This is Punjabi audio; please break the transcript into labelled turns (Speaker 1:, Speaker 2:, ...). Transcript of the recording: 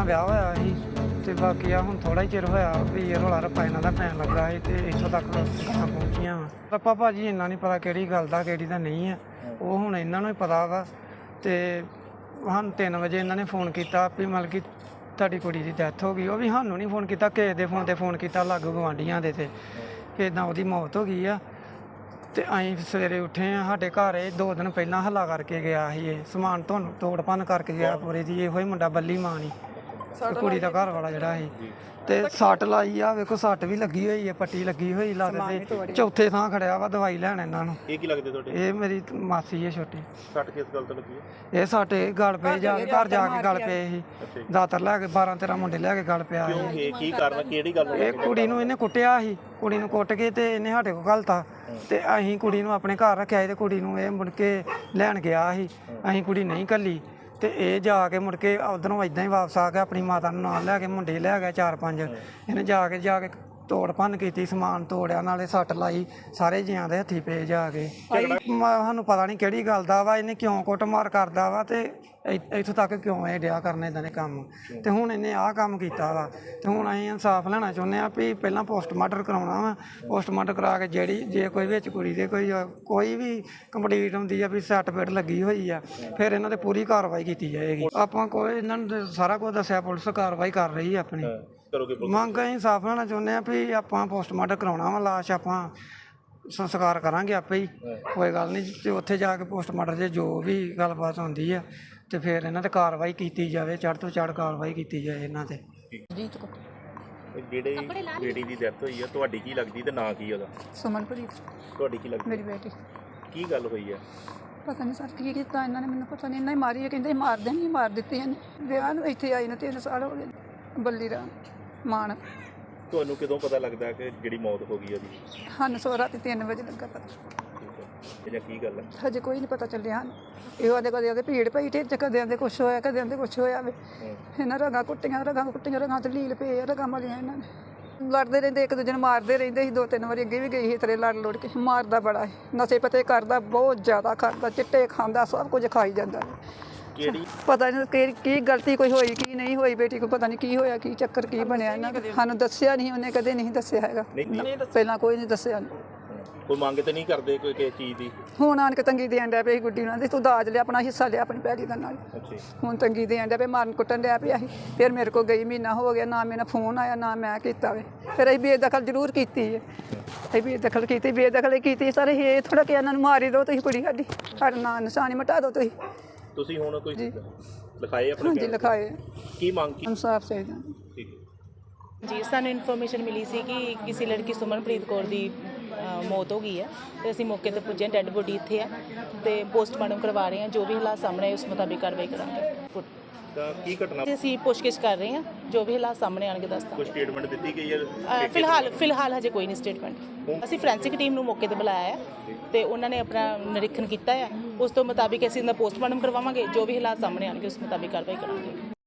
Speaker 1: ਪਹਿਲਾਂ ਵਿਆਹ ਹੋਇਆ ਸੀ ਤੇ ਬਾਕੀ ਆ ਹੁਣ ਥੋੜਾ ਹੀ ਚਿਰ ਹੋਇਆ ਵੀ ਇਹ ਰੌਲਾ ਰੱਪਾ ਇਹਨਾਂ ਦਾ ਪੈਣ ਲੱਗਾ ਸੀ ਤੇ ਇੱਥੋਂ ਤੱਕ ਗੱਲਾਂ ਪਹੁੰਚੀਆਂ ਵਾ। ਰੱਪਾ ਭਾਜੀ ਇੰਨਾ ਨਹੀਂ ਪਤਾ ਕਿਹੜੀ ਗੱਲ ਦਾ ਕਿਹੜੀ ਦਾ ਨਹੀਂ ਆ, ਉਹ ਹੁਣ ਇਹਨਾਂ ਨੂੰ ਹੀ ਪਤਾ ਵਾ। ਤੇ ਸਾਨੂੰ 3 ਵਜੇ ਇਹਨਾਂ ਨੇ ਫੋਨ ਕੀਤਾ ਵੀ ਮਤਲਬ ਕਿ ਤੁਹਾਡੀ ਕੁੜੀ ਦੀ ਡੈਥ ਹੋ ਗਈ। ਉਹ ਵੀ ਸਾਨੂੰ ਨਹੀਂ ਫੋਨ ਕੀਤਾ, ਕਿਸੇ ਦੇ ਫੋਨ 'ਤੇ ਫੋਨ ਕੀਤਾ ਲਾਗੂ ਗੁਆਂਢੀਆਂ ਦੇ ਤੇ ਕਿ ਇੱਦਾਂ ਉਹਦੀ ਮੌਤ ਹੋ ਗਈ ਆ। ਤੇ ਅਸੀਂ ਸਵੇਰੇ ਉੱਠੇ ਆ, ਸਾਡੇ ਘਰ ਇਹ 2 ਦਿਨ ਪਹਿਲਾਂ ਹੱਲਾ ਕਰਕੇ ਗਿਆ ਸੀ, ਇਹ ਸਮਾਨ ਤੋੜ ਭੰਨ ਕਰਕੇ ਗਿਆ ਪੂਰੇ ਦੀ। ਇਹੋ ਹੀ ਮੁੰਡਾ ਬੱਲੀ ਮਾਂ ਨਹੀਂ, ਕੁੜੀ ਦਾ ਘਰ ਵਾਲਾ ਜਿਹੜਾ ਸੀ। ਤੇ ਸੱਟ ਲਾਈ ਆ, ਵੇਖੋ ਸੱਟ ਵੀ ਲੱਗੀ ਹੋਈ ਹੈ, ਪੱਟੀ ਲੱਗੀ ਹੋਈ ਲੱਤ ਤੇ। ਚੌਥੇ ਥਾਂ ਖੜਿਆ ਵਾ ਦਵਾਈ ਲੈਣ ਇਹਨਾਂ ਨੂੰ।
Speaker 2: ਇਹ ਕੀ ਲੱਗਦੇ ਤੁਹਾਡੇ?
Speaker 1: ਇਹ ਮੇਰੀ ਮਾਸੀ ਹੈ ਛੋਟੀ।
Speaker 2: ਸੱਟ ਕਿਸ ਗੱਲ ਤੋਂ ਲੱਗੀ ਹੈ?
Speaker 1: ਇਹ ਸਾਡੇ ਗਲ ਪਏ ਜਾ ਕੇ, ਘਰ ਜਾ ਕੇ ਗਲ ਪਏ ਸੀ। ਦਾਤਰ ਲੈ ਕੇ 12-13 ਮੁੰਡੇ ਲੈ ਕੇ ਗਲ ਪਿਆ ਸੀ।
Speaker 2: ਇਹ ਕੀ ਕਾਰਨ, ਕਿਹੜੀ ਗੱਲ?
Speaker 1: ਇਹ ਕੁੜੀ ਨੂੰ ਇਹਨੇ ਕੁੱਟਿਆ ਸੀ, ਕੁੜੀ ਨੂੰ ਕੁੱਟ ਕੇ ਤੇ ਇਹਨੇ ਸਾਡੇ ਕੋਲ ਘਲਤਾ ਤੇ ਅਸੀਂ ਕੁੜੀ ਨੂੰ ਆਪਣੇ ਘਰ ਰੱਖਿਆ ਸੀ ਤੇ ਕੁੜੀ ਨੂੰ ਇਹ ਮੁੜ ਕੇ ਲੈਣ ਗਿਆ ਸੀ। ਅਸੀਂ ਕੁੜੀ ਨਹੀਂ ਘੱਲੀ ਤੇ ਇਹ ਜਾ ਕੇ ਮੁੜ ਕੇ ਉਧਰੋਂ ਇਦਾਂ ਹੀ ਵਾਪਸ ਆ ਕੇ ਆਪਣੀ ਮਾਤਾ ਨੂੰ ਨਾਲ ਲੈ ਕੇ ਮੁੰਡੇ ਲੈ ਗਿਆ 4-5। ਇਹਨੇ ਜਾ ਕੇ ਤੋੜ ਭੰਨ ਕੀਤੀ, ਸਮਾਨ ਤੋੜਿਆ, ਨਾਲੇ ਸੱਟ ਲਾਈ, ਸਾਰੇ ਜੀਆਂ ਦੇ ਹੱਥੀ ਪਏ ਜਾ ਕੇ। ਸਾਨੂੰ ਪਤਾ ਨਹੀਂ ਕਿਹੜੀ ਗੱਲ ਦਾ ਵਾ, ਇਹਨੇ ਕਿਉਂ ਕੁੱਟਮਾਰ ਕਰਦਾ ਵਾ ਤੇ ਇੱਥੋਂ ਤੱਕ ਕਿਉਂ ਇਹ ਡਿਆ ਕਰਨ ਇਦਾਂ ਦੇ ਕੰਮ। ਤੇ ਹੁਣ ਇਹਨੇ ਆਹ ਕੰਮ ਕੀਤਾ ਵਾ ਤੇ ਹੁਣ ਅਸੀਂ ਇਨਸਾਫ ਲੈਣਾ ਚਾਹੁੰਦੇ ਹਾਂ ਵੀ ਪਹਿਲਾਂ ਪੋਸਟਮਾਰਟਮ ਕਰਾਉਣਾ ਵਾ। ਪੋਸਟਮਾਰਟਮ ਕਰਾ ਕੇ ਜੇ ਕੋਈ ਵਿੱਚ ਕੁੜੀ ਦੇ ਕੋਈ ਵੀ ਕੰਪਲੀਟ ਹੁੰਦੀ ਆ ਵੀ ਸੱਟ ਪੇਟ ਲੱਗੀ ਹੋਈ ਆ, ਫਿਰ ਇਹਨਾਂ ਤੇ ਪੂਰੀ ਕਾਰਵਾਈ ਕੀਤੀ ਜਾਏਗੀ। ਆਪਾਂ ਕੋਈ ਇਹਨਾਂ ਨੂੰ ਸਾਰਾ ਕੁਝ ਦੱਸਿਆ, ਪੁਲਿਸ ਕਾਰਵਾਈ ਕਰ ਰਹੀ ਆ ਆਪਣੀ। ਮੰਗ ਅਸੀਂ ਇਨਸਾਫ ਲੈਣਾ ਚਾਹੁੰਦੇ ਹਾਂ ਵੀ ਆਪਾਂ ਪੋਸਟਮਾਰਟਮ ਕਰਾਉਣਾ ਵਾ, ਲਾਸ਼ ਆਪਾਂ ਸੰਸਕਾਰ ਕਰਾਂਗੇ ਆਪੇ ਹੀ, ਕੋਈ ਗੱਲ ਨਹੀਂ। ਤੇ ਉੱਥੇ ਜਾ ਕੇ ਪੋਸਟਮਾਰਟਮ 'ਚ ਜੋ ਵੀ ਗੱਲਬਾਤ ਹੁੰਦੀ ਆ ਤੇ ਫਿਰ ਇਹਨਾਂ ਤੇ ਕਾਰਵਾਈ ਕੀਤੀ ਜਾਵੇ, ਚੜ੍ਹ ਤੋਂ ਚੜ੍ਹ ਕਾਰਵਾਈ ਕੀਤੀ ਜਾਏ ਇਹਨਾਂ ਤੇ।
Speaker 2: ਜਿਹੜੇ ਬੇਟੀ ਦੀ ਡੈਥ ਹੋਈ ਆ, ਤੁਹਾਡੀ ਕੀ ਲੱਗਦੀ ਤੇ ਨਾਂ ਕੀ ਉਹਦਾ?
Speaker 3: ਸੁਮਨਪ੍ਰੀਤ
Speaker 2: ਤੁਹਾਡੀ ਕੀ ਲੱਗਦੀ?
Speaker 3: ਮੇਰੀ ਬੇਟੀ।
Speaker 2: ਕੀ ਗੱਲ ਹੋਈ ਆ?
Speaker 3: ਪਤਾ ਨਹੀਂ ਸਰ ਕੀ ਕੀਤਾ ਇਹਨਾਂ ਨੇ, ਮੈਨੂੰ ਪਤਾ ਨਹੀਂ। ਇਹਨਾਂ ਹੀ ਮਾਰੀ ਹੈ, ਕਹਿੰਦੇ ਮਾਰ ਦੇਣੀ, ਮਾਰ ਦਿੱਤੀ ਇਹਨੇ। ਵਿਆਹ ਨੂੰ ਇੱਥੇ ਆਈ ਨੂੰ 3 ਸਾਲ ਹੋ ਗਏ। ਬੱਲੀ ਰਾਮ ਮਾਨ।
Speaker 2: ਤੁਹਾਨੂੰ ਕਦੋਂ ਪਤਾ ਲੱਗਦਾ ਕਿ ਜਿਹੜੀ ਮੌਤ ਹੋ ਗਈ ਉਹਦੀ?
Speaker 3: ਸਾਨੂੰ ਸੋ ਰਾਤੀ 3 ਵਜੇ ਲੱਗਾ ਪਤਾ।
Speaker 2: ਇਹ ਕੀ ਗੱਲ ਹੈ?
Speaker 3: ਹਜੇ ਕੋਈ ਨਹੀਂ ਪਤਾ ਚੱਲਿਆ ਹਨ। ਇਹੋ ਆਦੇ ਕਦੇ ਭੀੜ ਪਈ ਢਿੱਡ 'ਚ, ਕਦੇ ਆਂਦੇ ਕੁਛ ਹੋਇਆ, ਕਦੇ ਆਂਦੇ ਕੁਛ ਹੋਇਆ ਵੇ। ਇਹਨਾਂ ਰਗਾਂ ਕੁੱਟੀਆਂ ਰਗਾਂ ਤੇ ਲੀਲ ਪਏ ਆ, ਰਗਾਂ ਮਾਰੀਆਂ ਇਹਨਾਂ ਨੇ। ਲੜਦੇ ਰਹਿੰਦੇ, ਇੱਕ ਦੂਜੇ ਨੂੰ ਮਾਰਦੇ ਰਹਿੰਦੇ ਸੀ। 2-3 ਵਾਰੀ ਅੱਗੇ ਵੀ ਗਈ ਸੀ ਤੇਰੇ ਲੜ ਲੋੜ ਕੇ। ਮਾਰਦਾ ਬੜਾ ਸੀ, ਨਸ਼ੇ ਪਤੇ ਕਰਦਾ, ਬਹੁਤ ਜ਼ਿਆਦਾ ਕਰਦਾ, ਚਿੱਟੇ ਖਾਂਦਾ, ਸਭ ਕੁਝ ਖਾਈ ਜਾਂਦਾ।
Speaker 2: ਕਿਹੜੀ
Speaker 3: ਪਤਾ ਨਹੀਂ ਕੀ ਗਲਤੀ ਕੋਈ ਹੋਈ ਕੀ ਨਹੀਂ ਹੋਈ, ਬੇਟੀ ਕੋ ਪਤਾ ਨਹੀਂ ਕੀ ਹੋਇਆ, ਕੀ ਚੱਕਰ ਕੀ ਬਣਿਆ ਇਹਨਾਂ ਦਾ। ਸਾਨੂੰ ਦੱਸਿਆ ਨਹੀਂ, ਉਹਨੇ ਕਦੇ ਨਹੀਂ ਦੱਸਿਆ ਹੈਗਾ, ਪਹਿਲਾਂ ਕੋਈ ਨਹੀਂ ਦੱਸਿਆ।
Speaker 2: ਕੋਈ ਮੰਗ ਤੇ ਨਹੀਂ ਕਰਦੇ ਕੋਈ ਕਿਸੇ ਚੀਜ਼ ਦੀ?
Speaker 3: ਹੁਣ ਆਣ ਕੇ ਤੰਗੀ ਦੇਣ ਡਿਆ ਪਿਆ ਸੀ ਗੁੱਡੀ ਉਹਨਾਂ ਦੀ, ਤੂੰ ਦਾਜ ਲਿਆ, ਆਪਣਾ ਹਿੱਸਾ ਲਿਆ ਆਪਣੀ ਪੈਲੀ ਦਾ ਨਾਲ। ਹੁਣ ਤੰਗੀ ਦੇਣ ਡਿਆ ਪਿਆ, ਮਾਰਨ ਕੁੱਟਣ ਡਿਆ ਪਿਆ ਸੀ। ਫਿਰ ਮੇਰੇ ਕੋਲ ਗਈ, ਮਹੀਨਾ ਹੋ ਗਿਆ, ਨਾ ਮੇਰਾ ਫੋਨ ਆਇਆ ਨਾ ਮੈਂ ਕੀਤਾ ਵੇ। ਫਿਰ ਅਸੀਂ ਬੇਦਖਲ ਜ਼ਰੂਰ ਕੀਤੀ ਹੈ, ਅਸੀਂ ਬੇਦਖਲ ਕੀਤੀ ਸਰ। ਇਹ ਥੋੜਾ ਕਿ ਇਹਨਾਂ ਨੂੰ ਮਾਰੀ ਦਿਓ ਤੁਸੀਂ, ਕੁੜੀ ਸਾਡਾ ਨਾਂ ਨਿਸ਼ਾਨੀ ਮਿਟਾ ਦਿਓ
Speaker 2: ਤੁਸੀਂ ਹੁਣ ਕੋਈ ਲਿਖਾਏ ਆਪਣੇ?
Speaker 3: ਹਾਂਜੀ ਲਿਖਾਏ।
Speaker 2: ਕੀ ਮੰਗ ਕੀ?
Speaker 3: ਇਨਸਾਫ ਚਾਹੀਦਾ
Speaker 4: ਜੀ। ਸਾਨੂੰ ਇਨਫੋਰਮੇਸ਼ਨ ਮਿਲੀ ਸੀ ਕਿ ਕਿਸੇ ਲੜਕੀ ਸੁਮਨਪ੍ਰੀਤ ਕੌਰ ਦੀ ਮੌਤ ਹੋ ਗਈ ਹੈ ਤੇ ਅਸੀਂ ਮੌਕੇ ਤੇ ਪੁੱਜੇ। ਡੈੱਡ ਬੋਡੀ ਇੱਥੇ ਆ ਤੇ ਪੋਸਟਮਾਰਟਮ ਕਰਵਾ ਰਹੇ ਹਾਂ। ਜੋ ਵੀ ਹਾਲਾਤ ਸਾਹਮਣੇ ਆਏ ਉਸ ਮੁਤਾਬਿਕ ਕਾਰਵਾਈ ਕਰਾਂਗੇ।
Speaker 2: ਤਾਂ ਕੀ ਘਟਨਾ?
Speaker 4: ਅਸੀਂ ਪੁੱਛਗਿੱਛ ਕਰ ਰਹੇ ਹਾਂ, ਜੋ ਵੀ ਹਾਲਾਤ ਸਾਹਮਣੇ ਆਣਗੇ ਦੱਸਦਾ।
Speaker 2: ਕੋਈ ਸਟੇਟਮੈਂਟ ਦਿੱਤੀ ਗਈ ਹੈ?
Speaker 4: ਫਿਲਹਾਲ ਹਜੇ ਕੋਈ ਨਹੀਂ ਸਟੇਟਮੈਂਟ। ਅਸੀਂ ਫੋਰੈਂਸਿਕ ਟੀਮ ਨੂੰ ਮੌਕੇ ਤੇ ਬੁਲਾਇਆ ਹੈ ਤੇ ਉਹਨਾਂ ਨੇ ਆਪਣਾ ਨਿਰੀਖਣ ਕੀਤਾ ਹੈ। ਉਸ ਤੋਂ ਮੁਤਾਬਿਕ ਅਸੀਂ ਇਹਦਾ ਪੋਸਟਮਾਰਟਮ ਕਰਵਾਵਾਂਗੇ। ਜੋ ਵੀ ਹਾਲਾਤ ਸਾਹਮਣੇ ਆਣਗੇ ਉਸ ਮੁਤਾਬਿਕ ਕਾਰਵਾਈ ਕਰਾਂਗੇ।